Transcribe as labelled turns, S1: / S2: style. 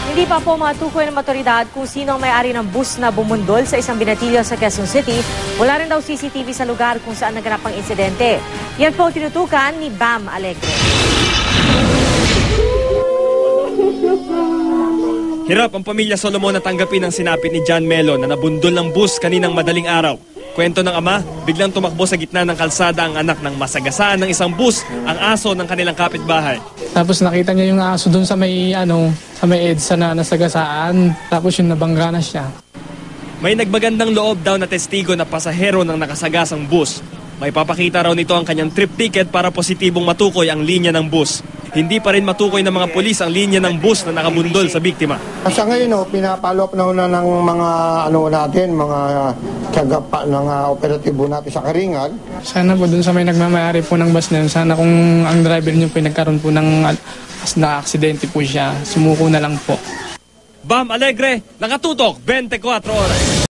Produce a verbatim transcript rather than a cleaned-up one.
S1: Hindi pa po matukoy ng otoridad kung sino ang may-ari ng bus na bumundol sa isang binatilyo sa Quezon City. Wala rin daw C C T V sa lugar kung saan naganap ang insidente. Yan po tinutukan ni Bam Alegre.
S2: Hirap ang pamilya Solomon na tanggapin ang sinapit ni John Melo na nabundol ng bus kaninang madaling araw. Kwento ng ama, biglang tumakbo sa gitna ng kalsada ang anak ng masagasaan ng isang bus, ang aso ng kanilang kapitbahay.
S3: Tapos nakita niya yung aso doon sa may ano, sa may EDSA na nasagasaan. Tapos yung nabangga na siya.
S2: May nagbagandang loob daw na testigo na pasahero ng nakasagasang bus. May papakita raw nito ang kanyang trip ticket para positibong matukoy ang linya ng bus. Hindi pa rin matukoy ng mga pulis ang linya ng bus na nakabundol sa biktima.
S4: Sa ngayon, no, pinapalo up na, na ng mga ano natin, mga tiyaga pa ng uh, operatibo natin sa Karingal.
S3: Sana po dun sa may nagmamayari po ng bus na yun, sana kung ang driver niyo po nagkaroon po ng as na aksidente po siya, sumuko na lang po.
S2: Bam Alegre, nakatutok, twenty-four oras.